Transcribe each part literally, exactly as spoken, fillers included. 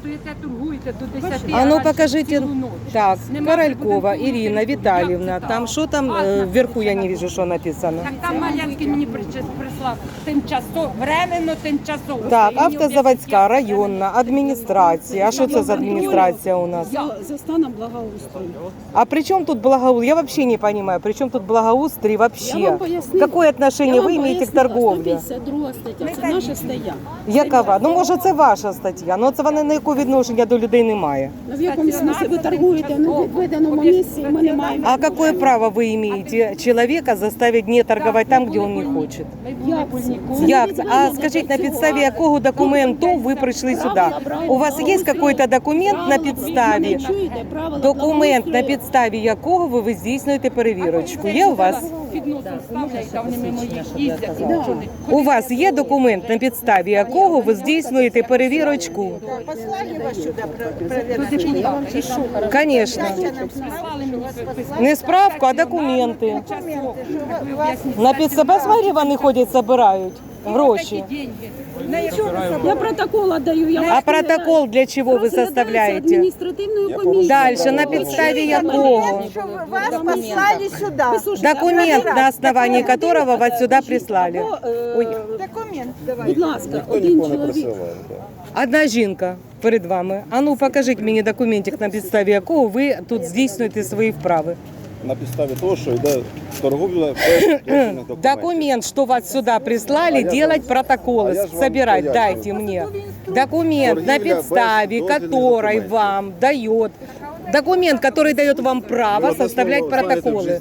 стоїте, торгуєте до десяти. А ну а покажите, цілу ніч. так, Нема Королькова прибутку, Ирина як Витальевна, це там так? что там А, э, на- вверху я не вижу, что написано. Так там Малянський мені причес- прислав тимчасово, временно, тимчасово. Так, Стоїть, автозаводська, я- районна, адміністрація. А що це за адміністрація у нас? За, за станом благоустрою. А при чем тут благоустрой? Я вообще не понимаю, при чем тут благоустрой Я вообще? вам поясню. Какое отношение вы имеете к торговле? сто п'ятдесят друга стаття, це наша стаття. Якова? Ну, може, це ваша стаття, але це вона ніякого відношення до людей не має. В якому смислі ви торгуєте на відведеному місці, ми не маємо. А какое право вы имеете человека заставить не торговать там, где он не хочет? Як це? Як це? А скажіть, на підставі якого документу ви прийшли сюди? У вас є якийсь документ на підставі? Документ, на підставі якого ви здійснюєте перевірочку. Є у вас? Під носом ставлять, а вони мимо їх їздять. Що не- У вас є документ, на підставі якого ви здійснюєте перевірочку? До депутата. І що? Звісно. Прислали мені список. Не справку, а документи. Часов. Ви об'ясніть. На підставі, посмотри, вони ходять, збирають гроші. Такі деньги. На якщо Я протокол отдаю. Я А протокол для чого ви Розглядається составляєте? адміністративною комісією. Дальше, на підставі якого? Что вы- вас послали сюда. Послушайте, Документ, на основании которого вас сюда прислали. або, е, Ой. Документ давай. Будь ласка, один чоловік. Одна жінка перед вами. А ну покажіть мені документик, на підставі якого ви тут здійснюєте свої вправи. На підставі того, що йде торговля без дозвільних документів. Документ, что вас сюда прислали, делать протоколы, а я ж вам собирать, поясню. дайте мне. Документ, на Торгівля без підставі дозвільних который документів. вам дает, документ, который дает вам право составлять протоколы.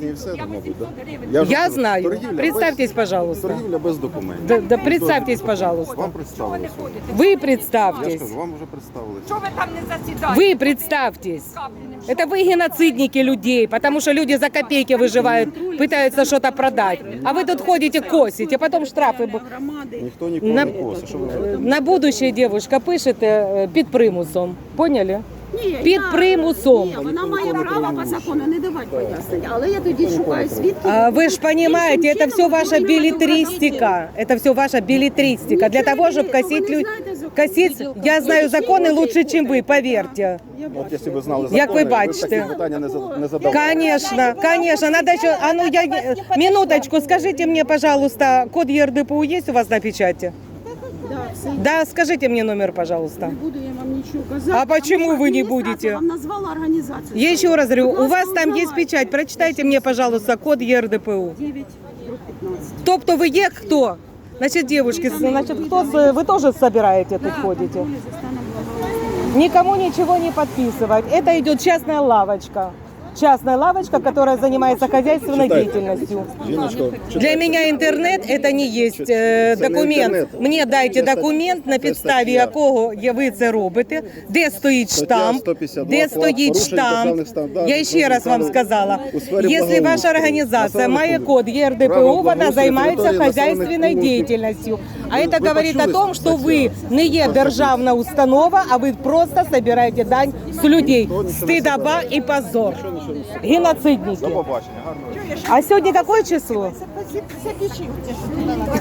Я знаю. Представьтесь, пожалуйста. Торгівля без документів. Да, да представьтесь, пожалуйста. Вам представилися. Вы Я ж представьтесь. кажу, вам вже представилися. Що ви там не засідаєте? Вы представьтесь. Это вы геноцидники людей, потому что люди за копейки выживают, пытаются что-то продать. А вы тут ходите, косите, потом штрафы. бу- Громади. Ніхто нікого На, не косить. Що ви на будущее девушка пишете е, під примусом. Поняли? Ні, Під я- примусом. Ні, вона має право по закону не давати пояснення. Але я тоді шукаю свідків. А вы же понимаете, это все ваша билетристика. Это все ваша билетристика. Для того, чтобы косить людей. Косить, я знаю законы лучше, чем вы, поверьте. От якщо ви знали Як ви закони, б бачите. такі питання не за- не задавали. Конечно, конечно. Надо еще... А ну, я... Минуточку, скажите мне, пожалуйста, код Е Р Д П У есть у вас на печати? Да, все. Да, скажите мне номер, пожалуйста. Не буду я вам нічого казати. А почему вы не Адміністрація будете? вам назвала організацію. Я еще раз говорю, Будь у ласка, вас там есть узнавайте. печать. Прочитайте мне, пожалуйста, код Е Р Д П У. дев'ять п'ятнадцять. Тобто вы е кто? Значит, девушки, значит, кто, с- вы тоже собираете тут ходите? Торгує за станом благоустрою. Никому ничего не подписывать. Это идет частная лавочка. Частная лавочка, которая занимается хозяйственной Читайте. деятельностью. Жіночко, Для читайте. меня интернет это не есть э, Це не документ. інтернет. Мені дайте Це документ, на це підставі стаття. якого я- ви це робите, де стоїть Стаття штамп, сто п'ятдесят два де факт стоїть порушення штамп. державних стандартів Я ще раз вам у сказала, сфері якщо ваша благоустрою, організація має населених код Е Р Д П Право У, вона благоустрою займається території хозяйственной населених пунктів. деятельностью. А Ви- це ви говорить о почули том, що ви статтю? не є державна установа, а ви просто собираєте дань з людей. Стидоба і позор. Геноцидники. До побачення. Гарного. А сьогодні яке число? Запишите, что ты дала.